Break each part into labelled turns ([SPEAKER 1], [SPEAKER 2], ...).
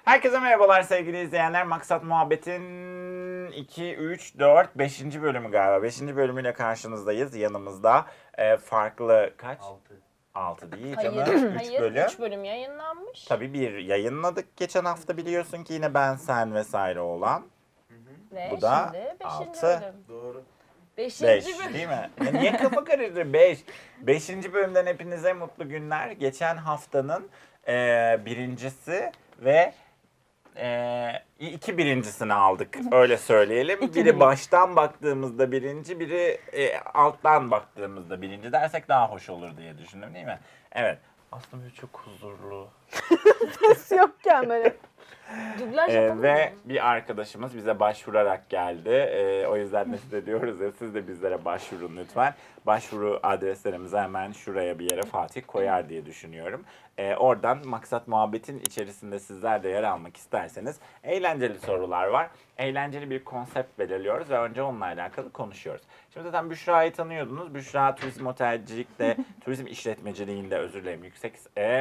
[SPEAKER 1] Herkese merhabalar sevgili izleyenler. Maksat Muhabbet'in 2, 3, 4, 5. bölümü galiba. 5. bölümüyle karşınızdayız. Yanımızda farklı kaç? 6 değil canım. 3 bölüm.
[SPEAKER 2] 3 bölüm yayınlanmış.
[SPEAKER 1] Tabii bir yayınladık geçen hafta biliyorsun ki yine ben, sen vesaire olan.
[SPEAKER 2] Ve
[SPEAKER 1] Bu da
[SPEAKER 2] şimdi 5.
[SPEAKER 1] 6.
[SPEAKER 2] bölüm.
[SPEAKER 3] Doğru.
[SPEAKER 2] 5.
[SPEAKER 1] 5
[SPEAKER 2] bölüm.
[SPEAKER 1] değil mi? Ya niye kafa karıştı? 5. 5. bölümden hepinize mutlu günler. Geçen haftanın birincisi ve iki birincisini aldık. Öyle söyleyelim. Biri baştan baktığımızda birinci, biri alttan baktığımızda birinci dersek daha hoş olur diye düşündüm değil mi? Evet. Aslında böyle çok huzurlu.
[SPEAKER 4] Ses yokken böyle.
[SPEAKER 2] Dublaj yapalım
[SPEAKER 1] Ve
[SPEAKER 2] mı?
[SPEAKER 1] bir arkadaşımız bize başvurarak geldi. O yüzden de size diyoruz ya, siz de bizlere başvurun lütfen. Başvuru adreslerimizi hemen şuraya bir yere Fatih koyar diye düşünüyorum. Oradan Maksat Muhabbet'in içerisinde sizler de yer almak isterseniz eğlenceli sorular var. Eğlenceli bir konsept belirliyoruz ve önce onunla alakalı konuşuyoruz. Şimdi zaten Büşra'yı tanıyordunuz. Büşra turizm otelcilikte, turizm işletmeciliğinde özür dilerim yüksek...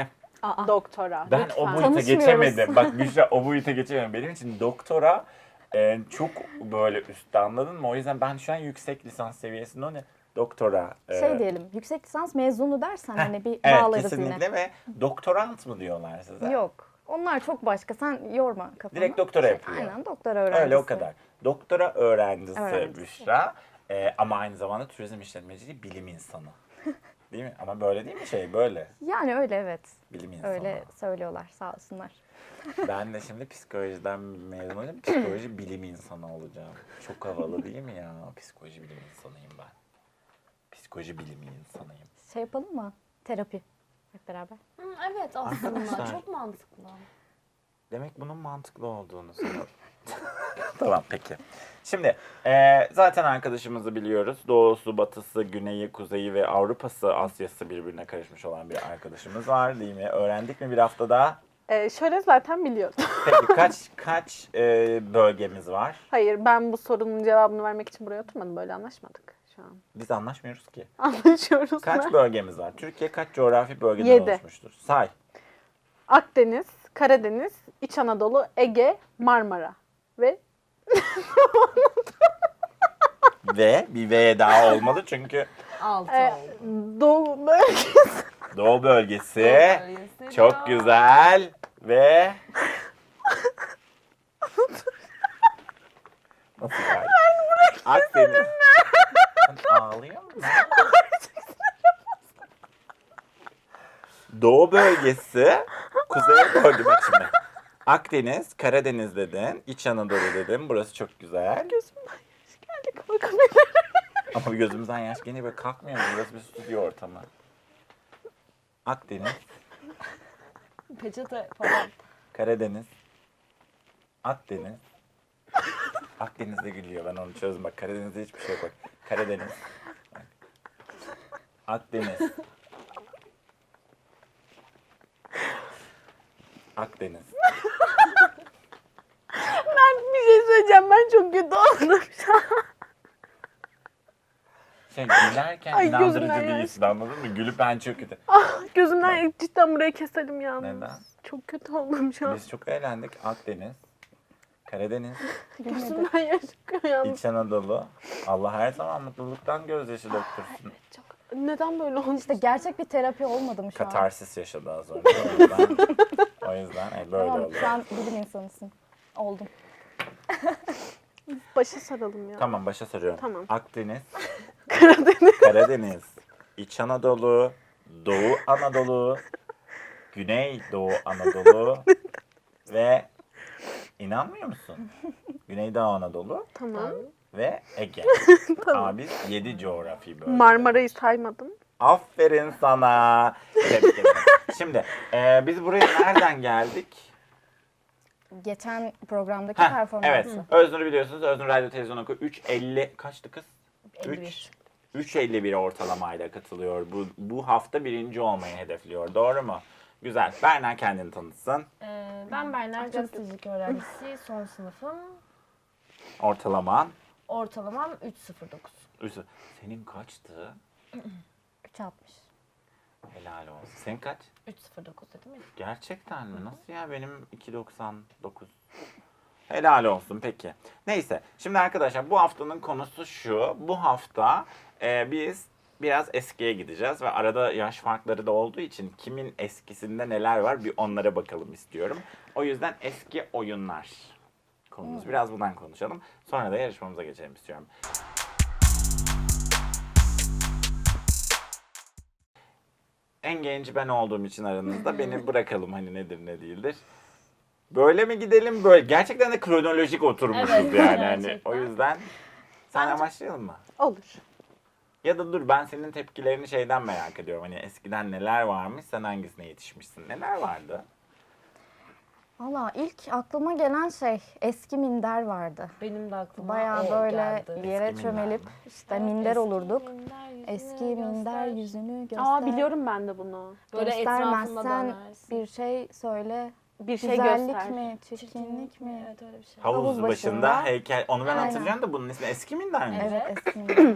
[SPEAKER 4] Doktora.
[SPEAKER 1] Ben
[SPEAKER 4] lütfen.
[SPEAKER 1] o boyuta
[SPEAKER 4] Tanışmıyoruz.
[SPEAKER 1] geçemedim. Bak Büşra o boyuta geçemedim. Benim için doktora çok böyle üstte, anladın mı? O yüzden ben şu an yüksek lisans seviyesinde, o ne? Doktora.
[SPEAKER 5] Şey diyelim, yüksek lisans mezunu dersen hani bir
[SPEAKER 1] evet,
[SPEAKER 5] bağlarız
[SPEAKER 1] kesinlikle
[SPEAKER 5] yine.
[SPEAKER 1] ve doktorant mı diyorlar size?
[SPEAKER 5] Yok. Onlar çok başka. Sen yorma kafanı.
[SPEAKER 1] Direkt doktora yapıyor.
[SPEAKER 5] Aynen, doktora öğrencisi.
[SPEAKER 1] Öyle o kadar. Doktora öğrencisi
[SPEAKER 5] Öğrencisi.
[SPEAKER 1] Büşra. Ama aynı zamanda turizm işletmeciliği bilim insanı. Değil mi? Ama böyle değil mi şey? Böyle.
[SPEAKER 5] Yani öyle, evet.
[SPEAKER 1] Bilim insanı.
[SPEAKER 5] Öyle söylüyorlar, sağ olsunlar.
[SPEAKER 1] Ben de şimdi psikolojiden mezun olacağım. Psikoloji bilim insanı olacağım. Çok havalı değil mi ya? Psikoloji bilim insanıyım ben. Psikoloji bilimi insanıyım.
[SPEAKER 5] Şey yapalım mı? Terapi. Hep beraber.
[SPEAKER 2] Hı, evet aslında
[SPEAKER 1] Arkadaşlar.
[SPEAKER 2] çok mantıklı.
[SPEAKER 1] Demek bunun mantıklı olduğunu sanıyorum. Tamam peki. Şimdi zaten arkadaşımızı biliyoruz. Doğusu, batısı, güneyi, kuzeyi ve Avrupa'sı, Asya'sı birbirine karışmış olan bir arkadaşımız var değil mi? Öğrendik mi bir haftada?
[SPEAKER 4] Şöyle zaten biliyordum.
[SPEAKER 1] Peki kaç bölgemiz var?
[SPEAKER 4] Hayır, ben bu sorunun cevabını vermek için buraya oturmadım. Böyle anlaşmadık şu an.
[SPEAKER 1] Biz anlaşmıyoruz ki.
[SPEAKER 4] Anlaşıyoruz.
[SPEAKER 1] Kaç
[SPEAKER 4] mu?
[SPEAKER 1] bölgemiz var? Türkiye kaç coğrafi bölgeden
[SPEAKER 4] 7.
[SPEAKER 1] oluşmuştur? Say.
[SPEAKER 4] Akdeniz, Karadeniz, İç Anadolu, Ege, Marmara ve
[SPEAKER 1] Ve bir V daha olmalı çünkü
[SPEAKER 2] 6
[SPEAKER 4] e,
[SPEAKER 2] oldu.
[SPEAKER 4] Doğu bölgesi.
[SPEAKER 1] Doğu bölgesi
[SPEAKER 2] bölgesi
[SPEAKER 1] çok
[SPEAKER 2] çok.
[SPEAKER 1] güzel ve nasıl yani? Akdeniz. Sen ağlıyor musun? Doğu bölgesi, kuzey bölge bak şimdi. Akdeniz, Karadeniz dedin, İç Anadolu dedin. Burası çok güzel.
[SPEAKER 4] Gözümden yaş geldi, kalkamıyorum.
[SPEAKER 1] Ama gözümüzden yaş gene böyle kalkmıyor mu? Burası bir stüdyo ortamı. Akdeniz,
[SPEAKER 2] Peçete falan.
[SPEAKER 1] Karadeniz, Akdeniz. Akdeniz'de gülüyor, ben onu çözdüm. Bak Karadeniz'de hiçbir şey yok. Bak. Karadeniz. Bak. Akdeniz. Akdeniz.
[SPEAKER 4] Ben bir şey söyleyeceğim. Ben çok kötü oldum şu an.
[SPEAKER 1] Şey gülerken
[SPEAKER 4] Ay,
[SPEAKER 1] inandırıcı
[SPEAKER 4] gözümden yaş
[SPEAKER 1] değilsin, anladın mı? Gülüp ben çok kötü.
[SPEAKER 4] Gözümden cidden burayı keselim yalnız.
[SPEAKER 1] Neden?
[SPEAKER 4] Çok kötü oldum şu an.
[SPEAKER 1] Biz çok eğlendik. Akdeniz, Karadeniz,
[SPEAKER 4] Gözümden yaş çıkıyor yalnız.
[SPEAKER 1] İç Anadolu. Allah her zaman mutluluktan gözyaşı döktürsün.
[SPEAKER 4] Çok... Neden böyle oldu?
[SPEAKER 5] İşte gerçek bir terapi olmadı mı şu an?
[SPEAKER 1] Katarsis yaşadı az önce. O yüzden böyle
[SPEAKER 5] Tamam,
[SPEAKER 1] oluyor.
[SPEAKER 5] şu an bilim insanısın. Oldum.
[SPEAKER 4] Başa saralım ya.
[SPEAKER 1] Tamam, başa sarıyorum.
[SPEAKER 4] Tamam.
[SPEAKER 1] Akdeniz,
[SPEAKER 4] Karadeniz.
[SPEAKER 1] Karadeniz, İç Anadolu, Doğu Anadolu, Güneydoğu Anadolu ve inanmıyor musun? Güneydoğu Anadolu
[SPEAKER 4] Tamam.
[SPEAKER 1] ve Ege. Abi 7 coğrafi bölge.
[SPEAKER 4] Marmara'yı saymadım.
[SPEAKER 1] Aferin sana. Tebrik ederim. Şimdi biz buraya nereden geldik?
[SPEAKER 5] Geçen programdaki
[SPEAKER 1] Heh,
[SPEAKER 5] performansı.
[SPEAKER 1] evet. Öznur'u biliyorsunuz. Öznur Radyo Televizyon Okulu 3.50 kaçtı kız?
[SPEAKER 5] 51.
[SPEAKER 1] 3.51 ortalamayla katılıyor. Bu hafta birinci olmayı hedefliyor. Doğru mu? Güzel. Berna kendini tanıtsın.
[SPEAKER 2] Ben Berna gazetecilik öğrencisi, son sınıfım.
[SPEAKER 1] Ortalaman.
[SPEAKER 2] Ortalamam 3.09.
[SPEAKER 1] Senin kaçtı?
[SPEAKER 5] 3.60.
[SPEAKER 1] Helal olsun. Senin kaç?
[SPEAKER 2] 3.09 dedim ya.
[SPEAKER 1] Gerçekten mi? Nasıl ya? Benim 2.99. Helal olsun peki. Neyse. Şimdi arkadaşlar bu haftanın konusu şu. Bu hafta biz biraz eskiye gideceğiz ve arada yaş farkları da olduğu için kimin eskisinde neler var bir onlara bakalım istiyorum. O yüzden eski oyunlar konumuz. Biraz bundan konuşalım. Sonra da yarışmamıza geçelim istiyorum. En genci ben olduğum için aranızda beni bırakalım hani nedir ne değildir. Böyle mi gidelim böyle? Gerçekten de kronolojik oturmuşuz
[SPEAKER 2] Evet,
[SPEAKER 1] yani. Hani,
[SPEAKER 2] gerçekten.
[SPEAKER 1] o yüzden sen
[SPEAKER 2] Bence-
[SPEAKER 1] başlayalım mı?
[SPEAKER 4] Olur.
[SPEAKER 1] Ya da dur ben senin tepkilerini şeyden merak ediyorum. Hani eskiden neler varmış sen hangisine yetişmişsin? Neler vardı?
[SPEAKER 5] Valla ilk aklıma gelen şey eski minder vardı.
[SPEAKER 2] Benim de aklıma
[SPEAKER 5] Bayağı
[SPEAKER 2] o
[SPEAKER 5] böyle
[SPEAKER 2] geldi.
[SPEAKER 5] yere
[SPEAKER 1] Eski
[SPEAKER 5] çömelip
[SPEAKER 1] minder mi?
[SPEAKER 5] işte
[SPEAKER 2] Evet,
[SPEAKER 5] minder
[SPEAKER 2] eski
[SPEAKER 5] olurduk.
[SPEAKER 2] minder yüzünü
[SPEAKER 5] Eski minder
[SPEAKER 2] göster.
[SPEAKER 5] yüzünü göster.
[SPEAKER 4] Aa biliyorum ben de bunu.
[SPEAKER 2] Böyle etrafında
[SPEAKER 5] Göstermezsen
[SPEAKER 2] dönersin.
[SPEAKER 5] bir şey söyle.
[SPEAKER 4] Bir şey
[SPEAKER 5] Güzellik
[SPEAKER 4] göster.
[SPEAKER 5] mi, çirkinlik mi?
[SPEAKER 2] Evet öyle bir şey.
[SPEAKER 1] Havuz
[SPEAKER 5] Havuz
[SPEAKER 1] başında
[SPEAKER 5] başında.
[SPEAKER 1] heykel. Onu ben
[SPEAKER 5] Aynen.
[SPEAKER 1] hatırlıyorum da bunun ismi eski minder mi?
[SPEAKER 5] Evet,
[SPEAKER 2] Evet.
[SPEAKER 5] eski minder.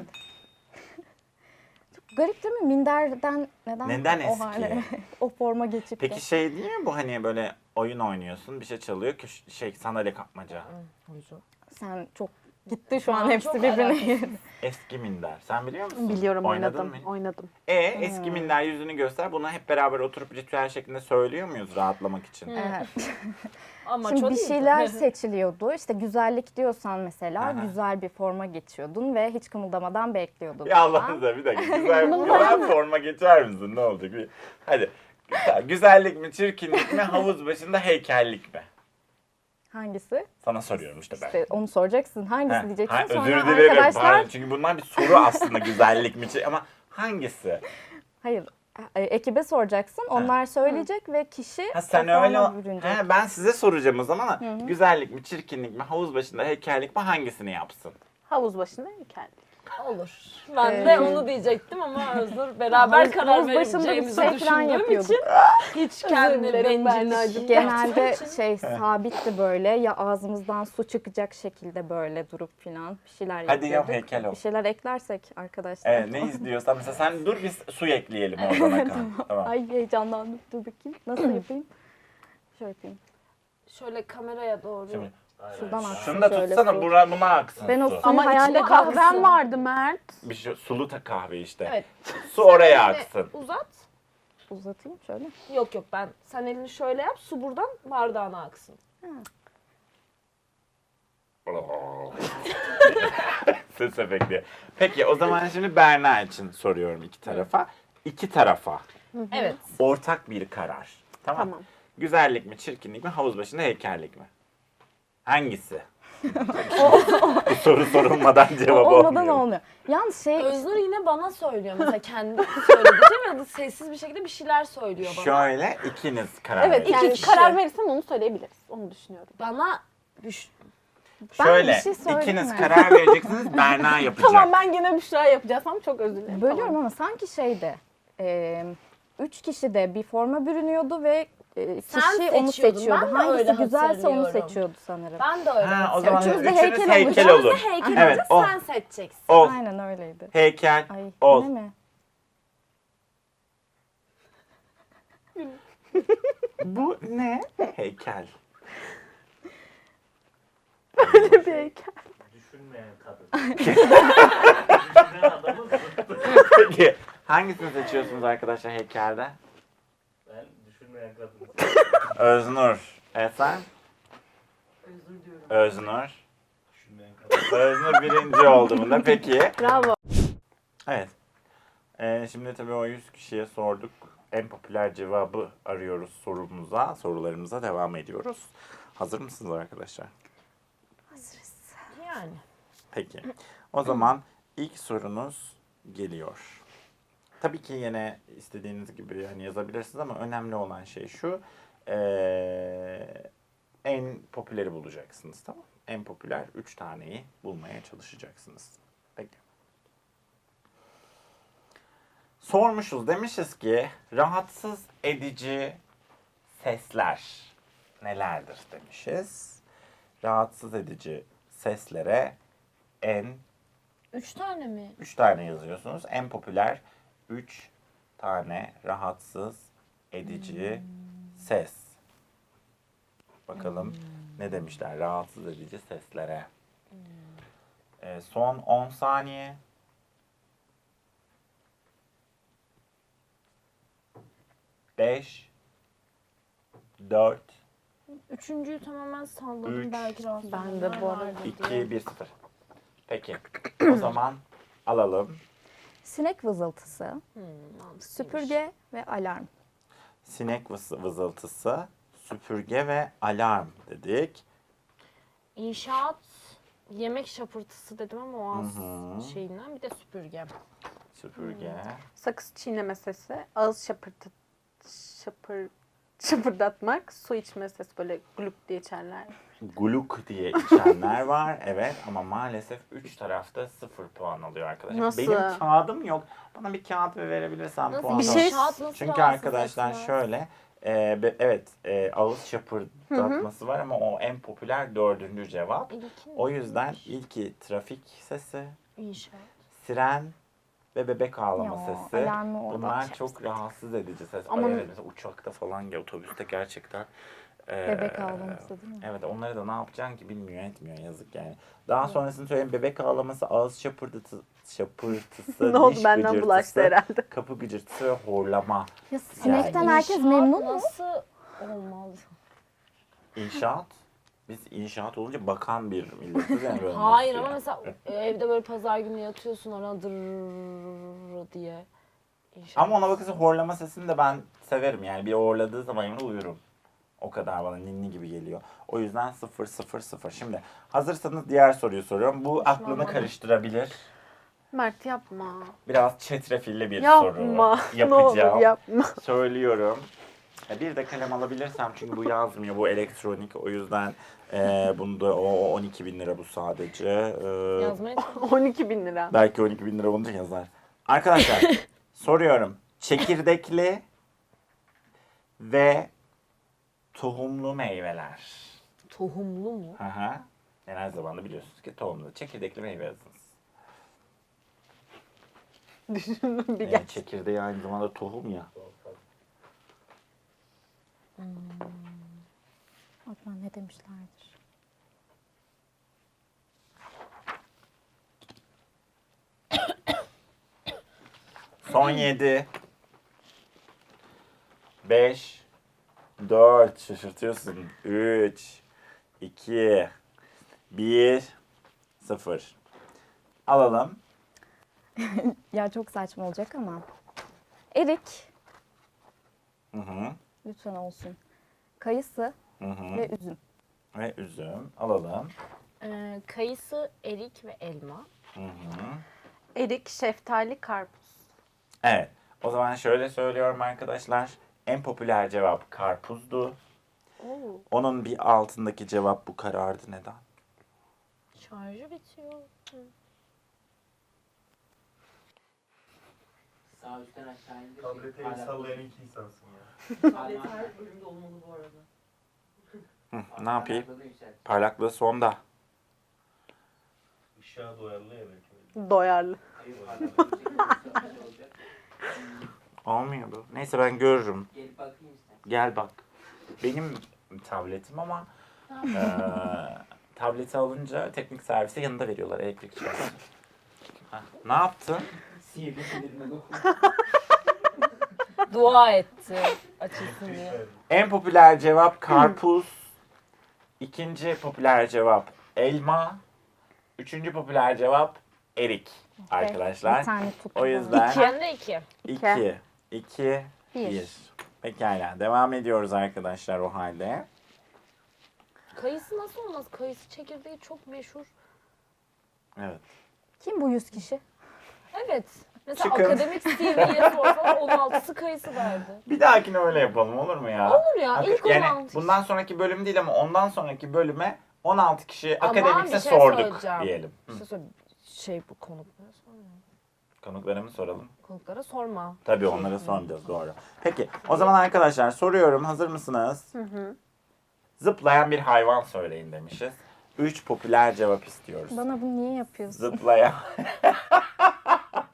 [SPEAKER 5] Çok garip değil mi? Minderden
[SPEAKER 1] Neden
[SPEAKER 5] o
[SPEAKER 1] eski?
[SPEAKER 5] hale, o forma geçip de.
[SPEAKER 1] Peki şey değil mi bu hani böyle oyun oynuyorsun bir şey çalıyor sandalye kapmaca.
[SPEAKER 5] Sen çok gitti şu an
[SPEAKER 2] Aa,
[SPEAKER 5] hepsi
[SPEAKER 2] çok
[SPEAKER 5] birbirine
[SPEAKER 2] alakasız.
[SPEAKER 5] girdi.
[SPEAKER 1] Eski minder. Sen biliyor musun?
[SPEAKER 4] Biliyorum
[SPEAKER 1] Oynadın
[SPEAKER 4] oynadım.
[SPEAKER 1] mı?
[SPEAKER 4] Oynadım.
[SPEAKER 1] Eski minder yüzünü göster. Bunu hep beraber oturup ritüel şeklinde söylüyor muyuz rahatlamak için?
[SPEAKER 5] Evet.
[SPEAKER 2] Ama
[SPEAKER 5] Şimdi
[SPEAKER 2] çok
[SPEAKER 5] bir
[SPEAKER 2] iyiydi.
[SPEAKER 5] şeyler seçiliyordu. İşte güzellik diyorsan mesela
[SPEAKER 1] Aha.
[SPEAKER 5] güzel bir forma geçiyordun ve hiç kımıldamadan bekliyordun.
[SPEAKER 1] Ya Allah'ınıza bir dakika. Güzel forma geçer misin? Ne olacak? Hadi. Güzellik mi, çirkinlik mi, havuz başında heykellik mi?
[SPEAKER 5] Hangisi?
[SPEAKER 1] Sana soruyorum işte ben.
[SPEAKER 5] İşte onu soracaksın. Hangisi
[SPEAKER 1] Heh,
[SPEAKER 5] diyeceksin.
[SPEAKER 1] ha,
[SPEAKER 5] Sonra
[SPEAKER 1] özür dilerim.
[SPEAKER 5] arkadaşlar
[SPEAKER 1] Pardon. Çünkü bunlar bir soru aslında güzellik mi, ama hangisi?
[SPEAKER 5] hayır ekibe soracaksın. Onlar söyleyecek ve kişi
[SPEAKER 1] Ha sen
[SPEAKER 5] o forma
[SPEAKER 1] öyle.
[SPEAKER 5] bürünecek.
[SPEAKER 1] He, ben size soracağım o zaman. Güzellik mi, çirkinlik mi, havuz başında heykellik mi hangisini yapsın?
[SPEAKER 4] Havuz başında heykel.
[SPEAKER 2] Olur. Ben de onu diyecektim ama Özgür beraber karar
[SPEAKER 5] havuz başında bir
[SPEAKER 2] vereceğimizi
[SPEAKER 5] şey falan
[SPEAKER 2] düşündüğüm
[SPEAKER 5] yapıyorduk.
[SPEAKER 2] için hiç kendini
[SPEAKER 4] dilerim
[SPEAKER 2] bencillik
[SPEAKER 5] Genelde
[SPEAKER 2] yaptığım için.
[SPEAKER 5] şey sabitti böyle ya ağzımızdan su çıkacak şekilde böyle durup filan bir şeyler
[SPEAKER 1] Hadi yap,
[SPEAKER 5] yapıyorduk.
[SPEAKER 1] heykel ol.
[SPEAKER 5] Bir şeyler eklersek arkadaşlar.
[SPEAKER 1] Evet, ne izliyorsan mesela sen dur biz su ekleyelim oradan akan. Tamam.
[SPEAKER 5] Ay heyecanlandım. Dur bakayım. Nasıl yapayım? Şöyle yapayım.
[SPEAKER 2] Şöyle kameraya doğru.
[SPEAKER 1] Şimdi,
[SPEAKER 5] Şuradan aksın
[SPEAKER 1] şunu da
[SPEAKER 5] şöyle
[SPEAKER 1] tutsana
[SPEAKER 5] su.
[SPEAKER 1] buna aksın
[SPEAKER 5] Ben o
[SPEAKER 1] su.
[SPEAKER 5] suyu
[SPEAKER 4] Ama
[SPEAKER 5] hayal
[SPEAKER 4] içinde
[SPEAKER 5] ediyorum.
[SPEAKER 4] kahvem vardı Mert.
[SPEAKER 1] Bir şey, sulu kahve işte.
[SPEAKER 2] Evet.
[SPEAKER 1] Su oraya
[SPEAKER 2] Elini
[SPEAKER 1] aksın.
[SPEAKER 2] Uzat.
[SPEAKER 5] Uzatayım şöyle.
[SPEAKER 2] Yok yok ben. Sen elini şöyle yap. Su buradan bardağına aksın.
[SPEAKER 1] Ses efekti. Peki o zaman şimdi Berna için soruyorum iki tarafa. İki tarafa
[SPEAKER 2] Evet.
[SPEAKER 1] ortak bir karar. Tamam.
[SPEAKER 4] Tamam.
[SPEAKER 1] Güzellik mi, çirkinlik mi, havuz başında heykellik mi? Hangisi? Bu soru sorulmadan cevap
[SPEAKER 5] Olmadan
[SPEAKER 1] olmuyor.
[SPEAKER 5] olmuyor. Yalnız şey
[SPEAKER 2] Öznur yine bana söylüyor. Mesela kendi söyleyeceğim ya da sessiz bir şekilde bir şeyler söylüyor bana.
[SPEAKER 1] Şöyle ikiniz karar
[SPEAKER 4] Evet
[SPEAKER 1] verin.
[SPEAKER 4] yani
[SPEAKER 2] kişi.
[SPEAKER 4] karar verirsen onu söyleyebiliriz. Onu düşünüyorum.
[SPEAKER 2] Bana
[SPEAKER 5] Ben
[SPEAKER 1] Şöyle
[SPEAKER 5] bir şey söyleyeyim
[SPEAKER 1] ikiniz
[SPEAKER 5] mi?
[SPEAKER 1] karar vereceksiniz, Berna yapacak.
[SPEAKER 4] Tamam ben gene Büşra yapacağız ama çok özür dilerim.
[SPEAKER 5] bölüyorum
[SPEAKER 4] Tamam.
[SPEAKER 5] ama sanki şeyde 3 kişi de bir forma bürünüyordu ve
[SPEAKER 2] Sen
[SPEAKER 5] kişi onu
[SPEAKER 2] seçiyordun.
[SPEAKER 5] seçiyordu.
[SPEAKER 2] Ben de öyle
[SPEAKER 5] Hangisi güzelse onu
[SPEAKER 2] hatırlıyorum.
[SPEAKER 5] seçiyordu sanırım.
[SPEAKER 2] ben de öyle.
[SPEAKER 1] Ha, o zaman
[SPEAKER 5] Üçümüz de
[SPEAKER 1] üçünüz
[SPEAKER 5] heykel
[SPEAKER 1] heykel
[SPEAKER 5] olacağız.
[SPEAKER 1] olur.
[SPEAKER 2] Heykel
[SPEAKER 1] Evet,
[SPEAKER 2] olacak,
[SPEAKER 1] ol.
[SPEAKER 2] sen seçeceksin.
[SPEAKER 1] Ol.
[SPEAKER 5] Aynen öyleydi.
[SPEAKER 1] Heykel.
[SPEAKER 5] Ay
[SPEAKER 1] Ol.
[SPEAKER 5] yine mi?
[SPEAKER 1] Bu ne? Heykel.
[SPEAKER 4] Bir heykel.
[SPEAKER 3] Düşünmeyen kadın. Düşünmeyen adamı
[SPEAKER 1] Peki hangisini seçiyorsunuz arkadaşlar heykelde?
[SPEAKER 3] ben düşünmeyen kadın.
[SPEAKER 1] Öznur. Sen?
[SPEAKER 2] Özür diyorum.
[SPEAKER 1] Öznur.
[SPEAKER 3] Düşünmeyen kadın.
[SPEAKER 1] Öznur birinci oldu bunda. Peki.
[SPEAKER 4] Bravo.
[SPEAKER 1] Evet. Şimdi tabii o 100 kişiye sorduk. En popüler cevabı arıyoruz sorularımıza devam ediyoruz. Hazır mısınız arkadaşlar?
[SPEAKER 2] Yani.
[SPEAKER 1] Peki. O zaman ilk sorunuz geliyor. Tabii ki yine istediğiniz gibi yani yazabilirsiniz ama önemli olan şey şu. En popüleri bulacaksınız, tamam mı? En popüler 3 taneyi bulmaya çalışacaksınız. Peki. Sormuşuz, demişiz ki rahatsız edici sesler nelerdir demişiz. Rahatsız edici seslere en
[SPEAKER 2] 3 tane mi?
[SPEAKER 1] 3 tane yazıyorsunuz. En popüler 3 tane rahatsız edici ses. Bakalım ne demişler rahatsız edici seslere. Son 10 saniye. 5 4
[SPEAKER 2] Üçüncüyü tamamen salladım.
[SPEAKER 1] Üç.
[SPEAKER 2] Belki rahatsız
[SPEAKER 4] Ben de bu arada.
[SPEAKER 1] 2 1 0. Peki. O zaman alalım.
[SPEAKER 5] Sinek vızıltısı,
[SPEAKER 2] Mantıklıymış.
[SPEAKER 5] süpürge ve alarm.
[SPEAKER 1] Sinek vızıltısı, süpürge ve alarm dedik.
[SPEAKER 2] İnşaat, yemek şapırtısı dedim ama o az
[SPEAKER 1] Hı hı.
[SPEAKER 2] şeyinden. Bir de süpürge.
[SPEAKER 1] Süpürge.
[SPEAKER 4] Sakız çiğneme sesi, ağız şapırdatmak, su içme sesi böyle gluk diye içerler.
[SPEAKER 1] Gluk diye içenler var. Evet ama maalesef 3 tarafta 0 puan alıyor arkadaşlar.
[SPEAKER 4] Nasıl?
[SPEAKER 1] Benim kağıdım yok. Bana bir kağıt verebilirsen
[SPEAKER 2] Nasıl
[SPEAKER 1] puan
[SPEAKER 4] bir
[SPEAKER 1] alırım.
[SPEAKER 4] şey-
[SPEAKER 2] inşaat nasıl
[SPEAKER 1] Çünkü
[SPEAKER 2] rahatsız
[SPEAKER 1] arkadaşlar
[SPEAKER 2] etmez?
[SPEAKER 1] şöyle evet ağız şapırdatması var ama o en popüler 4. cevap.
[SPEAKER 2] İlkin
[SPEAKER 1] O yüzden
[SPEAKER 2] neymiş?
[SPEAKER 1] ilki trafik sesi,
[SPEAKER 2] İnşaat.
[SPEAKER 1] siren ve bebek ağlama
[SPEAKER 5] Ya,
[SPEAKER 1] sesi.
[SPEAKER 5] alarmı orada
[SPEAKER 1] Bunlar
[SPEAKER 5] açarız.
[SPEAKER 1] çok rahatsız edici ses.
[SPEAKER 4] Ama-
[SPEAKER 1] Ay evet, mesela uçakta falan ya otobüste gerçekten.
[SPEAKER 5] Bebek ağlaması değil mi?
[SPEAKER 1] Evet onları da ne yapacaksın ki bilmiyor etmiyor yazık yani. Daha sonrasını söyleyeyim bebek ağlaması, ağız şapırtısı,
[SPEAKER 4] Ne oldu
[SPEAKER 1] diş
[SPEAKER 4] benden
[SPEAKER 1] gıcırtısı,
[SPEAKER 4] bulaştı herhalde.
[SPEAKER 1] kapı gıcırtısı ve horlama.
[SPEAKER 5] Ya sinekten
[SPEAKER 1] Yani.
[SPEAKER 5] herkes
[SPEAKER 2] İnşaat
[SPEAKER 5] memnun mu?
[SPEAKER 2] nasıl olmaz?
[SPEAKER 1] İnşaat. Biz inşaat olunca bakan bir milletiz yani. böyle
[SPEAKER 2] Hayır
[SPEAKER 1] nasıl
[SPEAKER 2] ama
[SPEAKER 1] yani?
[SPEAKER 2] mesela evde böyle pazar günü yatıyorsun ona dırrrr diye. İnşaat.
[SPEAKER 1] Ama ona bakırsa horlama sesini de ben severim yani bir horladığı zaman yanında uyurum. O kadar bana ninni gibi geliyor. O yüzden 0 0 0. Şimdi hazırsanız diğer soruyu soruyorum. Bu aklını
[SPEAKER 2] bana.
[SPEAKER 1] karıştırabilir.
[SPEAKER 4] Mert yapma.
[SPEAKER 1] Biraz çetrefilli bir
[SPEAKER 4] Yapma.
[SPEAKER 1] soru
[SPEAKER 4] Ne olur
[SPEAKER 1] yapacağım.
[SPEAKER 4] yapma.
[SPEAKER 1] Söylüyorum. Bir de kalem alabilirsem çünkü bu yazmıyor. Bu elektronik. O yüzden bunda o 12 bin lira bu sadece.
[SPEAKER 2] Yazmaya çalış.
[SPEAKER 4] 12.000 lira.
[SPEAKER 1] Belki 12 bin lira olunca yazar. Arkadaşlar soruyorum. Çekirdekli ve tohumlu meyveler.
[SPEAKER 2] Tohumlu mu?
[SPEAKER 1] Hı hı. Yani her zaman da biliyorsunuz ki tohumlu. Çekirdekli meyve yazınız.
[SPEAKER 4] Düşündüm bir
[SPEAKER 1] Yani
[SPEAKER 4] gel.
[SPEAKER 1] çekirdeği aynı zamanda tohum ya.
[SPEAKER 5] Acaba ne demişlerdir?
[SPEAKER 1] Son 7. 5. 4. Şaşırtıyorsun. 3. 2. 1. 0. Alalım.
[SPEAKER 5] Ya çok saçma olacak ama. Erik,
[SPEAKER 1] Hı hı.
[SPEAKER 5] lütfen olsun. Kayısı
[SPEAKER 1] Hı hı.
[SPEAKER 5] ve üzüm.
[SPEAKER 1] Ve üzüm. Alalım.
[SPEAKER 2] Kayısı, erik ve elma.
[SPEAKER 1] Hı hı.
[SPEAKER 4] Erik, şeftali, karpuz.
[SPEAKER 1] Evet. O zaman şöyle söylüyorum arkadaşlar. En popüler cevap karpuzdu.
[SPEAKER 4] Oo.
[SPEAKER 1] Onun bir altındaki cevap bu karardı. Neden?
[SPEAKER 2] Şarjı bitiyor.
[SPEAKER 6] Sağ üstten aşağı indir.
[SPEAKER 3] Tablete el sallayan ilk insansın ya.
[SPEAKER 6] Tablet her bölümde olmalı bu arada.
[SPEAKER 1] Hı, ne yapayım?
[SPEAKER 6] Parlaklığı yükselt.
[SPEAKER 1] Parlaklığı sonda.
[SPEAKER 3] Işığa doyarlı ya belki öyle.
[SPEAKER 4] Doyarlı.
[SPEAKER 6] Hayır, parlaklığı yüksek olacak.
[SPEAKER 1] Olmuyor bu. Neyse ben görürüm.
[SPEAKER 6] Gelip bakayım istersen.
[SPEAKER 1] Gel bak. Benim tabletim ama tableti alınca teknik servise yanında veriyorlar elektrikçi. Ne yaptın?
[SPEAKER 6] Sihirli sinirime dokun.
[SPEAKER 2] Dua etti açılsın diye.
[SPEAKER 3] Evet.
[SPEAKER 1] En popüler cevap karpuz. İkinci popüler cevap elma. Üçüncü popüler cevap erik arkadaşlar.
[SPEAKER 5] Bir tane tuttu.
[SPEAKER 1] O yüzden
[SPEAKER 2] Ben de 2.
[SPEAKER 1] 2, 2,
[SPEAKER 5] Bir.
[SPEAKER 1] 1. Pekala. Devam ediyoruz arkadaşlar o halde.
[SPEAKER 2] Kayısı nasıl olmaz? Kayısı çekirdeği çok meşhur.
[SPEAKER 1] Evet.
[SPEAKER 5] Kim bu 100 kişi?
[SPEAKER 2] Evet. Mesela
[SPEAKER 1] Çıkın.
[SPEAKER 2] akademik CV'ye sorsalar 16'sı kayısı derdi.
[SPEAKER 1] Bir dahakine öyle yapalım olur mu ya?
[SPEAKER 2] Olur ya, ilk
[SPEAKER 1] Yani
[SPEAKER 2] 16
[SPEAKER 1] bundan sonraki bölüm değil ama ondan sonraki bölüme 16 kişi
[SPEAKER 2] Ama
[SPEAKER 1] akademikse
[SPEAKER 2] bir şey
[SPEAKER 1] sorduk
[SPEAKER 2] söyleyeceğim.
[SPEAKER 1] diyelim. Hı.
[SPEAKER 2] İşte şey bu konuklara sorma.
[SPEAKER 1] Konuklara mı soralım?
[SPEAKER 2] Konuklara sorma.
[SPEAKER 1] Tabii onlara sormayacağız doğru. Peki o zaman arkadaşlar soruyorum hazır mısınız?
[SPEAKER 4] Hı hı.
[SPEAKER 1] Zıplayan bir hayvan söyleyin demişiz. 3 popüler cevap istiyoruz.
[SPEAKER 5] Bana bunu niye yapıyorsun?
[SPEAKER 1] Zıplayan.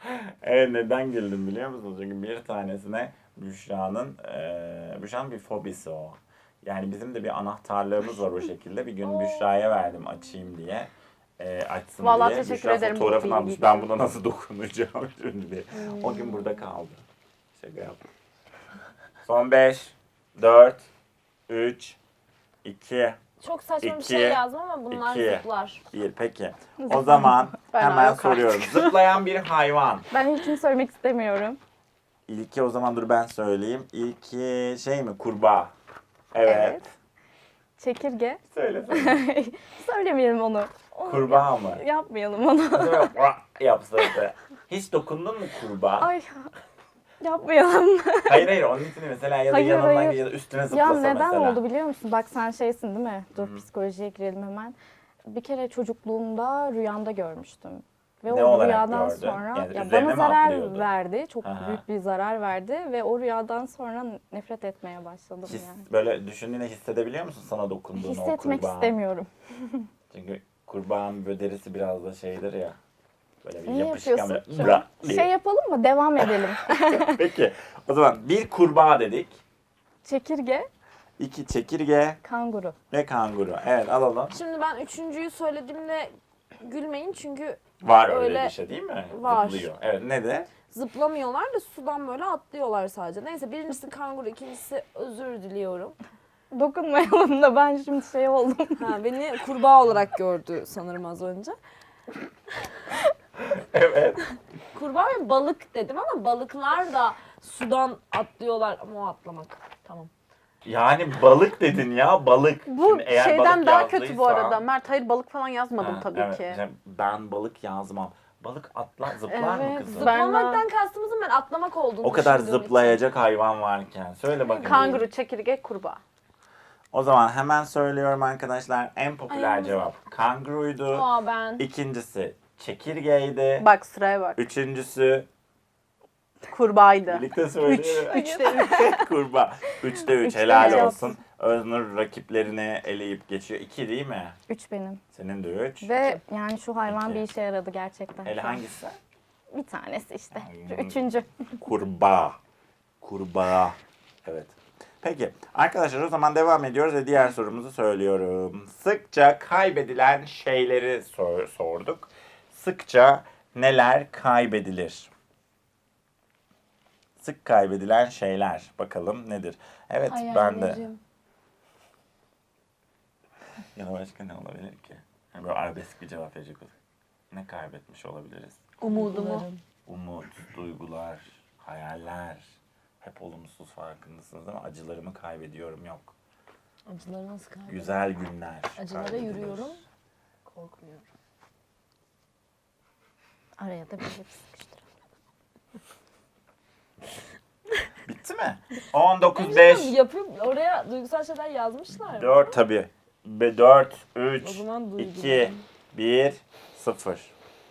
[SPEAKER 1] Evet, neden güldüm biliyor musunuz? Çünkü bir tanesine Büşra'nın bir fobisi o. Yani bizim de bir anahtarlığımız var o şekilde. Bir gün Büşra'ya verdim açayım diye. Açsın
[SPEAKER 4] Vallahi
[SPEAKER 1] diye.
[SPEAKER 4] teşekkür
[SPEAKER 1] Büşra
[SPEAKER 4] ederim bu
[SPEAKER 1] fotoğrafını almış.
[SPEAKER 4] bilgi
[SPEAKER 1] Ben
[SPEAKER 4] için.
[SPEAKER 1] buna nasıl dokunacağım şimdi. O gün burada kaldı. Şaka yaptım. Son 5, 4, 3, 2,
[SPEAKER 2] Çok saçma bir
[SPEAKER 1] İki,
[SPEAKER 2] şey yazdım ama bunlar
[SPEAKER 1] 2,
[SPEAKER 2] zıplar.
[SPEAKER 1] 1. Peki. O zaman
[SPEAKER 4] Ben
[SPEAKER 1] hemen
[SPEAKER 4] yok artık.
[SPEAKER 1] soruyorum. Zıplayan bir hayvan.
[SPEAKER 5] Ben ilkini söylemek istemiyorum.
[SPEAKER 1] İlki o zaman dur ben söyleyeyim. İlki şey mi? Kurbağa. Evet.
[SPEAKER 5] Çekirge.
[SPEAKER 1] Söyle söyle.
[SPEAKER 5] Söylemeyelim onu.
[SPEAKER 1] Kurbağa mı?
[SPEAKER 5] Yapmayalım onu.
[SPEAKER 1] Yapsaydı. Hiç dokundun mu kurbağa?
[SPEAKER 5] Ay yapmayalım.
[SPEAKER 1] Hayır onun için mesela ya da
[SPEAKER 5] Hayır,
[SPEAKER 1] yanından
[SPEAKER 5] hayır.
[SPEAKER 1] ya da üstüne
[SPEAKER 5] Ya
[SPEAKER 1] zıplasa
[SPEAKER 5] neden
[SPEAKER 1] mesela.
[SPEAKER 5] oldu biliyor musun? Bak sen şeysin değil mi? Dur
[SPEAKER 1] Hı.
[SPEAKER 5] psikolojiye girelim hemen. Bir kere çocukluğumda rüyamda görmüştüm. Ve
[SPEAKER 1] Ne
[SPEAKER 5] o
[SPEAKER 1] olarak
[SPEAKER 5] rüyadan
[SPEAKER 1] gördün?
[SPEAKER 5] sonra
[SPEAKER 1] Yani
[SPEAKER 5] ya
[SPEAKER 1] üzerine
[SPEAKER 5] bana
[SPEAKER 1] mi
[SPEAKER 5] zarar
[SPEAKER 1] atlıyordu?
[SPEAKER 5] verdi. Çok
[SPEAKER 1] Aha.
[SPEAKER 5] büyük bir zarar verdi ve o rüyadan sonra nefret etmeye başladım yani.
[SPEAKER 1] Böyle düşündüğünde hissedebiliyor musun sana dokunduğunu o
[SPEAKER 5] Hissetmek
[SPEAKER 1] kurbağanın?
[SPEAKER 5] istemiyorum.
[SPEAKER 1] Çünkü kurbağanın böyle derisi biraz da şeydir ya. Böyle bir
[SPEAKER 5] Niye
[SPEAKER 1] yapışkan
[SPEAKER 5] yapıyorsun?
[SPEAKER 1] böyle bra diye.
[SPEAKER 5] Şey yapalım mı? Devam edelim.
[SPEAKER 1] Peki o zaman bir kurbağa dedik.
[SPEAKER 5] Çekirge,
[SPEAKER 1] 2 çekirge
[SPEAKER 5] kanguru.
[SPEAKER 1] ve kanguru. Evet alalım.
[SPEAKER 2] Şimdi ben üçüncüyü söylediğimde gülmeyin çünkü
[SPEAKER 1] Var öyle
[SPEAKER 2] Öyle
[SPEAKER 1] bir şey değil mi?
[SPEAKER 2] var.
[SPEAKER 1] Zıplıyor. Evet ne de?
[SPEAKER 2] zıplamıyorlar da sudan böyle atlıyorlar sadece. Neyse birincisi kanguru, ikincisi özür diliyorum.
[SPEAKER 5] Dokunmayalım da ben şimdi şey oldum.
[SPEAKER 2] Ha, beni kurbağa olarak gördü sanırım az önce.
[SPEAKER 1] Evet.
[SPEAKER 2] Kurbağa ve balık dedim ama balıklar da sudan atlıyorlar ama o atlamak. Tamam.
[SPEAKER 1] Yani balık dedin ya balık.
[SPEAKER 4] Bu
[SPEAKER 1] Şimdi eğer
[SPEAKER 4] şeyden
[SPEAKER 1] balık
[SPEAKER 4] daha kötü bu
[SPEAKER 1] yazdıysa-
[SPEAKER 4] arada. Mert hayır balık falan yazmadım
[SPEAKER 1] Ha,
[SPEAKER 4] tabii
[SPEAKER 1] evet.
[SPEAKER 4] ki.
[SPEAKER 1] Yani ben balık yazmam. Balık zıplar mı
[SPEAKER 4] Evet,
[SPEAKER 1] kızım?
[SPEAKER 2] Zıplamaktan kastımızın ben atlamak olduğunu
[SPEAKER 1] O kadar
[SPEAKER 2] düşündüğüm için.
[SPEAKER 1] zıplayacak hayvan varken. Söyle bakayım.
[SPEAKER 4] Kanguru, çekirge, kurbağa.
[SPEAKER 1] O zaman hemen söylüyorum arkadaşlar. En popüler
[SPEAKER 2] Ay,
[SPEAKER 1] cevap kanguruydu.
[SPEAKER 2] Aa ben.
[SPEAKER 1] İkincisi çekirgeydi.
[SPEAKER 4] Bak sıraya bak.
[SPEAKER 1] Üçüncüsü
[SPEAKER 4] Kurbağaydı.
[SPEAKER 1] birlikte söyleyelim.
[SPEAKER 4] 3'te 3.
[SPEAKER 1] Kurbağa. 3'te 3
[SPEAKER 5] Üçte
[SPEAKER 1] helal
[SPEAKER 5] cevap.
[SPEAKER 1] olsun. Öznur rakiplerini eleyip geçiyor. 2 değil mi?
[SPEAKER 5] 3 benim.
[SPEAKER 1] Senin de 3.
[SPEAKER 5] Ve yani şu hayvan
[SPEAKER 1] İki.
[SPEAKER 5] bir işe yaradı gerçekten.
[SPEAKER 1] Ele
[SPEAKER 5] şu an.
[SPEAKER 1] hangisi?
[SPEAKER 5] Bir tanesi işte. Şu
[SPEAKER 1] Hmm.
[SPEAKER 5] üçüncü.
[SPEAKER 1] Kurbağa. Kurbağa. Evet. Peki arkadaşlar o zaman devam ediyoruz ve diğer sorumuzu söylüyorum. Sıkça kaybedilen şeyleri sorduk. Sıkça neler kaybedilir? Sık kaybedilen şeyler. Bakalım nedir? Evet ben de.
[SPEAKER 2] Hayallerim.
[SPEAKER 1] Ya da başka ne olabilir ki? Yani böyle arabesk bir cevap verecek olsak. Ne kaybetmiş olabiliriz?
[SPEAKER 4] Umudumu.
[SPEAKER 1] Umut, duygular, hayaller. Hep olumsuz farkındasınız değil mi? Acılarımı kaybediyorum yok.
[SPEAKER 2] Acıları nasıl kaybediyorum?
[SPEAKER 1] Güzel günler.
[SPEAKER 2] Acılara
[SPEAKER 1] kaybedilir.
[SPEAKER 2] yürüyorum. Korkmuyorum.
[SPEAKER 5] Araya da bir sıkıştıralım.
[SPEAKER 1] Bitti mi? 19-5.
[SPEAKER 2] Yapıyor, oraya duygusal şeyler yazmışlar mı?
[SPEAKER 1] 4 tabii. 4,
[SPEAKER 2] O
[SPEAKER 1] 3,
[SPEAKER 2] zaman
[SPEAKER 1] 2,
[SPEAKER 2] duygularım.
[SPEAKER 1] 1, 0.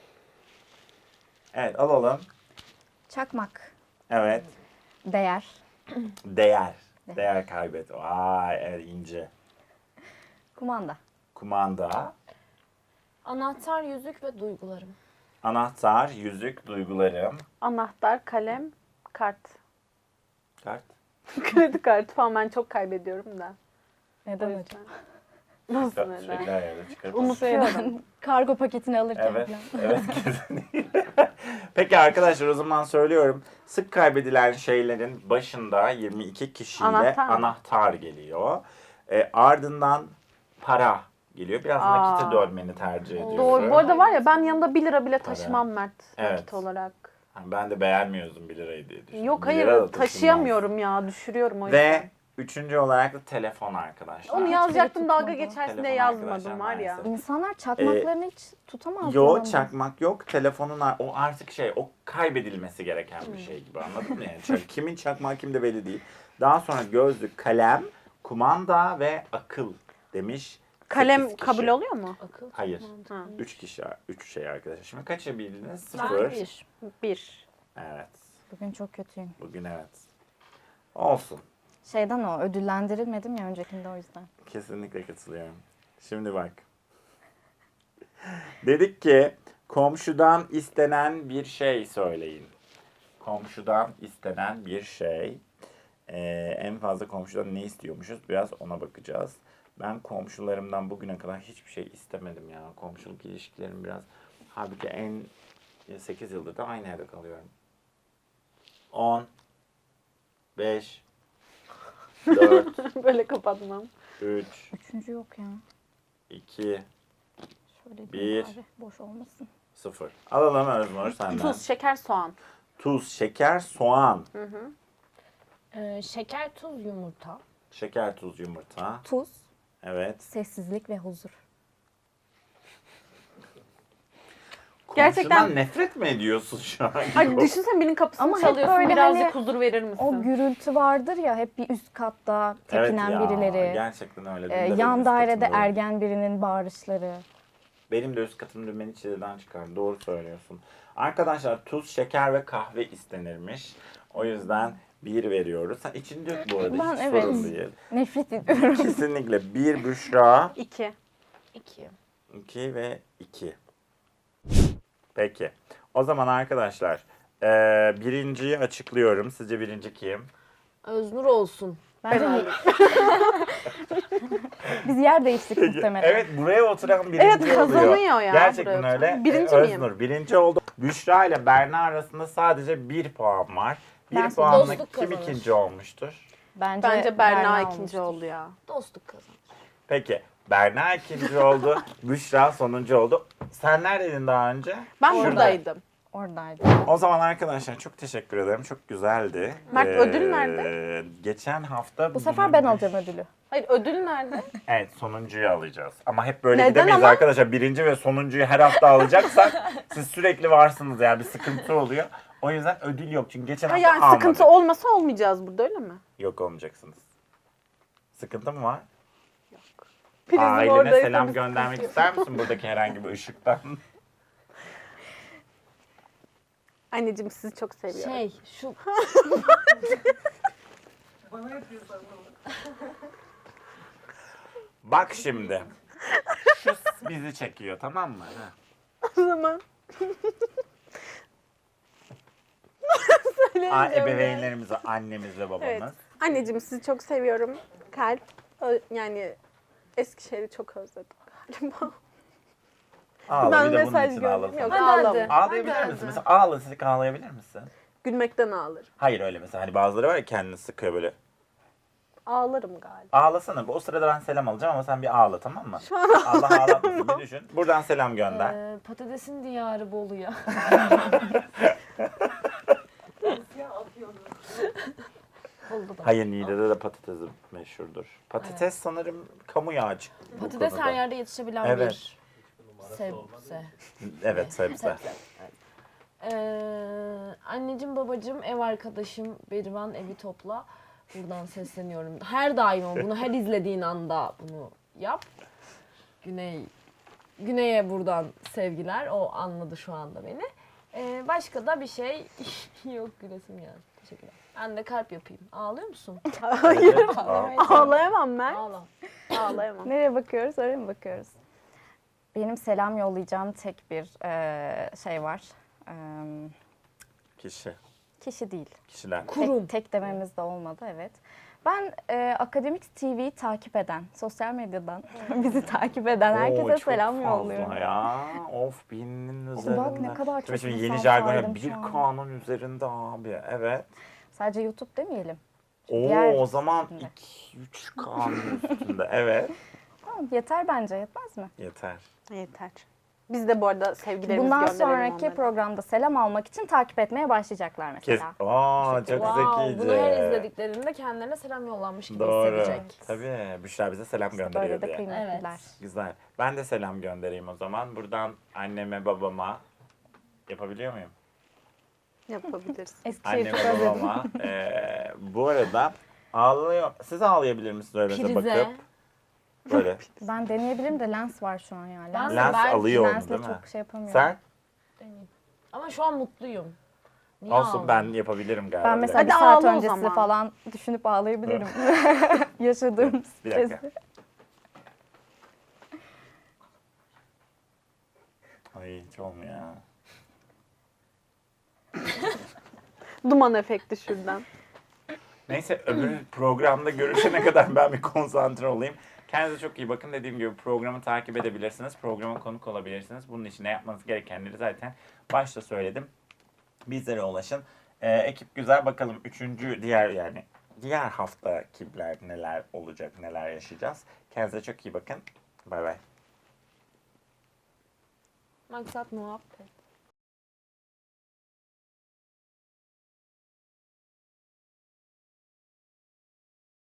[SPEAKER 1] Evet alalım.
[SPEAKER 5] Çakmak.
[SPEAKER 1] Evet.
[SPEAKER 5] Değer.
[SPEAKER 1] Değer. Değer kaybet. Vay evet ince.
[SPEAKER 5] Kumanda.
[SPEAKER 1] Kumanda.
[SPEAKER 2] Anahtar, yüzük ve duygularım.
[SPEAKER 1] Anahtar, yüzük, duygularım.
[SPEAKER 4] Anahtar, kalem, kart.
[SPEAKER 1] Kart.
[SPEAKER 4] Kredi kartı falan ben çok kaybediyorum da.
[SPEAKER 5] Neden
[SPEAKER 4] O
[SPEAKER 5] hocam?
[SPEAKER 4] yüzden. Nasıl neden?
[SPEAKER 1] Sürekli her yerde çıkarıp
[SPEAKER 4] Unutuyorum.
[SPEAKER 5] Kargo paketini alırken
[SPEAKER 1] Evet,
[SPEAKER 5] falan.
[SPEAKER 1] evet kesinlikle. Peki arkadaşlar o zaman söylüyorum. Sık kaybedilen şeylerin başında 22 kişiyle
[SPEAKER 4] Anahtar mı?
[SPEAKER 1] anahtar geliyor. Ardından para geliyor. Biraz
[SPEAKER 4] Aa.
[SPEAKER 1] nakite dönmeni tercih ediyorum.
[SPEAKER 4] Doğru. Bu arada var ya ben yanında 1 lira bile
[SPEAKER 1] Para.
[SPEAKER 4] taşımam Mert.
[SPEAKER 1] Evet.
[SPEAKER 4] Nakit olarak.
[SPEAKER 1] Ben de beğenmiyordum 1 lirayı diye düşündüm.
[SPEAKER 4] Yok
[SPEAKER 1] 1 lira da
[SPEAKER 4] hayır
[SPEAKER 1] taşınmaz.
[SPEAKER 4] taşıyamıyorum ya. Düşürüyorum o yüzden.
[SPEAKER 1] Ve üçüncü olarak da telefon arkadaşlar.
[SPEAKER 4] Onu
[SPEAKER 5] Hiçbiri
[SPEAKER 4] yazacaktım dalga
[SPEAKER 5] tutmadı.
[SPEAKER 4] geçersin
[SPEAKER 1] Telefon
[SPEAKER 4] diye yazmadım
[SPEAKER 1] arkadaşlar
[SPEAKER 4] var ya.
[SPEAKER 1] maalesef.
[SPEAKER 5] İnsanlar çakmaklarını hiç tutamaz.
[SPEAKER 1] Yo çakmak yok. Telefonun o artık o kaybedilmesi gereken bir şey gibi anladın mı? Yani kimin çakmağı kimde belli değil. Daha sonra gözlük, kalem, kumanda ve akıl demiş.
[SPEAKER 4] Kalem
[SPEAKER 1] 8 kişi.
[SPEAKER 4] kabul oluyor mu?
[SPEAKER 2] Akıl.
[SPEAKER 1] Hayır.
[SPEAKER 4] Ha.
[SPEAKER 1] 3 kişi, 3 şey arkadaşlar. Şimdi kaça bildiniz?
[SPEAKER 2] Ben
[SPEAKER 1] 0.
[SPEAKER 2] 1.
[SPEAKER 4] 1.
[SPEAKER 1] Evet.
[SPEAKER 5] Bugün çok kötüyüm.
[SPEAKER 1] Bugün evet. Olsun.
[SPEAKER 5] Şeyden o ödüllendirilmedim ya öncekinde o yüzden.
[SPEAKER 1] Kesinlikle katılıyorum. Şimdi bak. Dedik ki Komşudan istenen bir şey söyleyin. Komşudan istenen bir şey. En fazla komşudan ne istiyormuşuz? Biraz ona bakacağız. Ben komşularımdan bugüne kadar hiçbir şey istemedim ya. Komşuluk ilişkilerim biraz... Halbuki 8 yıldır da aynı evde kalıyorum. 10, 5, 4,
[SPEAKER 4] Böyle kapatmam.
[SPEAKER 1] 3,
[SPEAKER 5] Üçüncü yok ya.
[SPEAKER 1] 2,
[SPEAKER 5] Şöyle
[SPEAKER 1] Bir.
[SPEAKER 5] diyeyim abi, boş olmasın.
[SPEAKER 1] 0. Alalım Öznur senden.
[SPEAKER 4] Tuz, şeker, soğan.
[SPEAKER 1] Tuz, şeker, soğan.
[SPEAKER 2] Şeker, tuz, yumurta.
[SPEAKER 1] Şeker, tuz, yumurta.
[SPEAKER 5] Tuz,
[SPEAKER 1] Evet.
[SPEAKER 5] sessizlik ve huzur.
[SPEAKER 4] Gerçekten-
[SPEAKER 1] Komşudan nefret mi ediyorsun şu an?
[SPEAKER 4] Ay düşünsene birinin kapısını
[SPEAKER 5] Ama hep
[SPEAKER 4] çalıyorsun,
[SPEAKER 5] böyle
[SPEAKER 4] birazcık
[SPEAKER 5] hani
[SPEAKER 4] huzur verir misin?
[SPEAKER 5] O gürültü vardır ya, hep bir üst katta tepinen
[SPEAKER 1] Evet ya,
[SPEAKER 5] birileri.
[SPEAKER 1] gerçekten öyle. Dün de benim
[SPEAKER 5] Yan
[SPEAKER 1] üst
[SPEAKER 5] dairede
[SPEAKER 1] katımda-
[SPEAKER 5] ergen birinin bağırışları.
[SPEAKER 1] Benim de üst katımda beni çileden çıkar. Doğru söylüyorsun. Arkadaşlar tuz, şeker ve kahve istenirmiş. O yüzden 1 veriyoruz. Sen içini dök bu arada.
[SPEAKER 5] Ben
[SPEAKER 1] Hiç
[SPEAKER 5] evet.
[SPEAKER 1] sorun değil.
[SPEAKER 5] Nefret ediyorum.
[SPEAKER 1] Kesinlikle 1 Büşra,
[SPEAKER 4] 2.
[SPEAKER 2] 2.
[SPEAKER 1] 2 ve 2. Peki. O zaman arkadaşlar birinciyi açıklıyorum. Sizce birinci kim?
[SPEAKER 2] Öznur olsun.
[SPEAKER 5] Bence biz yer değiştik muhtemelen.
[SPEAKER 1] Evet, buraya oturan birinci
[SPEAKER 4] Evet,
[SPEAKER 1] oluyor.
[SPEAKER 4] kazanıyor ya
[SPEAKER 1] Gerçekten
[SPEAKER 4] buraya
[SPEAKER 1] öyle.
[SPEAKER 4] oturan. Birinci miyim?
[SPEAKER 1] Öznur birinci oldu. Büşra ile Berna arasında sadece 1 puan var. 1
[SPEAKER 5] Ben
[SPEAKER 1] puanla
[SPEAKER 2] dostluk
[SPEAKER 1] kim
[SPEAKER 2] kazanır.
[SPEAKER 1] ikinci olmuştur?
[SPEAKER 4] Bence Berna ikinci
[SPEAKER 5] olmuştur.
[SPEAKER 4] oldu ya.
[SPEAKER 2] Dostluk kazanır.
[SPEAKER 1] Peki. Berna ikinci oldu. Büşra sonuncu oldu. Sen neredeydin daha önce?
[SPEAKER 4] Ben
[SPEAKER 1] Şurada.
[SPEAKER 4] buradaydım.
[SPEAKER 5] Oradaydı.
[SPEAKER 1] O zaman arkadaşlar çok teşekkür ederim. Çok güzeldi.
[SPEAKER 4] Mert, ödül nerede?
[SPEAKER 1] Geçen hafta...
[SPEAKER 5] Bu sefer ben alacağım ödülü.
[SPEAKER 4] Hayır, ödül nerede?
[SPEAKER 1] Evet, sonuncuyu alacağız. Ama hep böyle
[SPEAKER 4] Neden
[SPEAKER 1] gidemeyiz
[SPEAKER 4] ama?
[SPEAKER 1] arkadaşlar. Birinci ve sonuncuyu her hafta alacaksak siz sürekli varsınız, yani bir sıkıntı oluyor. O yüzden ödül yok. Çünkü geçen
[SPEAKER 4] Ha,
[SPEAKER 1] hafta
[SPEAKER 4] yani
[SPEAKER 1] almadık.
[SPEAKER 4] sıkıntı olmasa olmayacağız burada, öyle mi?
[SPEAKER 1] Yok, olmayacaksınız. Sıkıntı mı var?
[SPEAKER 4] Prizim
[SPEAKER 1] Ailene
[SPEAKER 4] oradaysa
[SPEAKER 1] selam
[SPEAKER 4] bir
[SPEAKER 1] göndermek
[SPEAKER 4] sıkıntı
[SPEAKER 1] ister misin buradaki herhangi bir ışıktan?
[SPEAKER 4] Anneciğim, sizi çok seviyorum.
[SPEAKER 2] Şu
[SPEAKER 6] Bana yapıyorsan
[SPEAKER 1] Bak şimdi. Şu bizi çekiyor, tamam mı? Ha.
[SPEAKER 4] O zaman
[SPEAKER 1] Ebeveynlerimize, annemiz ve babamız.
[SPEAKER 4] evet. Anneciğim, sizi çok seviyorum. Kalp. Yani Eskişehir'i çok özledim galiba.
[SPEAKER 1] Ağla,
[SPEAKER 4] Ben
[SPEAKER 1] bir de bunun
[SPEAKER 4] mesaj
[SPEAKER 1] için
[SPEAKER 4] gördüm.
[SPEAKER 1] ağlasana.
[SPEAKER 4] Yok,
[SPEAKER 2] Hadi,
[SPEAKER 4] ağlamam.
[SPEAKER 2] hadi.
[SPEAKER 1] Ağlayabilir
[SPEAKER 2] Hadi,
[SPEAKER 1] misin?
[SPEAKER 2] hadi.
[SPEAKER 1] Mesela ağlasın, ağlayabilir misin?
[SPEAKER 4] Gülmekten ağlarım.
[SPEAKER 1] Hayır, öyle mesela. Hani bazıları var ya, kendini sıkıyor böyle.
[SPEAKER 4] Ağlarım galiba.
[SPEAKER 1] Ağlasana. O sırada ben selam alacağım ama sen bir ağla, tamam mı? Allah ağlatmasın, bir düşün. Buradan selam gönder.
[SPEAKER 2] patatesin diyarı Bolu'ya.
[SPEAKER 6] ya atıyorsun.
[SPEAKER 2] Bolu'da.
[SPEAKER 1] Hayır, Niğde'de de patates meşhurdur. Patates sanırım kamu yağı çıktı. bu
[SPEAKER 2] Patates
[SPEAKER 1] konuda.
[SPEAKER 2] her yerde yetişebilen
[SPEAKER 1] Evet.
[SPEAKER 2] bir sebze.
[SPEAKER 1] Evet, sebze.
[SPEAKER 2] Anneciğim, babacığım, ev arkadaşım Berivan, evi topla. Buradan sesleniyorum. Her daim ol. Bunu her izlediğin anda bunu yap. Güney'e buradan sevgiler. O anladı şu anda beni. Başka da bir şey yok, gülesim geldi. Teşekkürler. Ben de kalp yapayım. Ağlıyor musun?
[SPEAKER 4] Hayır.
[SPEAKER 1] Aa.
[SPEAKER 4] Ağlayamam ben.
[SPEAKER 2] Ağla.
[SPEAKER 4] Ağlayamam.
[SPEAKER 5] Nereye bakıyoruz? Oraya mı bakıyoruz? Benim selam yollayacağım tek bir şey var.
[SPEAKER 1] Kişi.
[SPEAKER 5] Kişi değil.
[SPEAKER 1] Kişiler.
[SPEAKER 2] Kurum.
[SPEAKER 5] Tek dememiz de olmadı, evet. Ben Akademik TV'yi takip eden, sosyal medyadan bizi takip eden herkese
[SPEAKER 1] Oo, çok
[SPEAKER 5] selam
[SPEAKER 1] fazla
[SPEAKER 5] yolluyorum.
[SPEAKER 1] ya. Of, binin üzerinde.
[SPEAKER 5] Bak ne kadar çok
[SPEAKER 1] Şimdi
[SPEAKER 5] insan
[SPEAKER 1] yeni jargon
[SPEAKER 5] saydım
[SPEAKER 1] bir
[SPEAKER 5] şu an.
[SPEAKER 1] kanun üzerinde abi. Evet.
[SPEAKER 5] Sadece YouTube demeyelim.
[SPEAKER 1] Oo,
[SPEAKER 5] Diğer
[SPEAKER 1] o zaman
[SPEAKER 5] üstünde.
[SPEAKER 1] 2-3 kanun üstünde. Evet.
[SPEAKER 5] Tamam, yeter bence, yetmez mi?
[SPEAKER 1] Yeter.
[SPEAKER 4] Yeter. Biz de bu arada sevgilerimizi
[SPEAKER 5] Bundan
[SPEAKER 4] gönderelim
[SPEAKER 5] sonraki
[SPEAKER 4] onlara.
[SPEAKER 5] programda selam almak için takip etmeye başlayacaklar
[SPEAKER 1] Kes.
[SPEAKER 5] mesela.
[SPEAKER 1] Aa, çok
[SPEAKER 2] Wow,
[SPEAKER 1] zekice.
[SPEAKER 2] bunu her izlediklerinde kendilerine selam yollanmış gibi
[SPEAKER 1] Doğru.
[SPEAKER 2] hissedecek.
[SPEAKER 1] Tabii. Büşra bize selam
[SPEAKER 5] İşte
[SPEAKER 1] gönderiyor
[SPEAKER 5] böyle de
[SPEAKER 1] diye.
[SPEAKER 5] kıymetliler.
[SPEAKER 2] Evet.
[SPEAKER 1] Güzel. Ben de selam göndereyim o zaman. Buradan anneme, babama yapabiliyor muyum?
[SPEAKER 4] Yapabiliriz.
[SPEAKER 5] Eskişehir'i çok
[SPEAKER 1] Anneme,
[SPEAKER 5] özledim.
[SPEAKER 1] babama. Bu arada ağlıyor. Siz ağlayabilir misiniz öyle mesela
[SPEAKER 2] Prize.
[SPEAKER 1] bakıp? Böyle.
[SPEAKER 5] Ben deneyebilirim de lens var şu an yani.
[SPEAKER 2] Ben de
[SPEAKER 1] Lens alıyor onu
[SPEAKER 5] Lensle
[SPEAKER 1] değil mi?
[SPEAKER 5] çok şey yapamıyorum.
[SPEAKER 1] Sen?
[SPEAKER 2] Ama şu an mutluyum. Niye
[SPEAKER 1] Olsun,
[SPEAKER 2] ağladın?
[SPEAKER 1] ben yapabilirim galiba.
[SPEAKER 5] Ben
[SPEAKER 1] Bir
[SPEAKER 5] mesela
[SPEAKER 4] Hadi
[SPEAKER 5] bir saat
[SPEAKER 4] ağla o
[SPEAKER 5] öncesi
[SPEAKER 4] zaman.
[SPEAKER 5] falan düşünüp ağlayabilirim. Yaşadığım
[SPEAKER 1] Bir dakika.
[SPEAKER 5] stresi.
[SPEAKER 1] Ay hiç olmuyor ya.
[SPEAKER 4] Duman efekti şuradan.
[SPEAKER 1] Neyse öbür programda görüşene kadar ben bir konsantre olayım. Kendinize çok iyi bakın. Dediğim gibi programı takip edebilirsiniz. Programa konuk olabilirsiniz. Bunun için ne yapmanız gerekenleri zaten başta söyledim. Bizlere ulaşın. Ekip güzel. Bakalım diğer hafta kimler neler olacak, neler yaşayacağız. Kendinize çok iyi bakın. Bay bay.
[SPEAKER 2] Maksat muhabbet.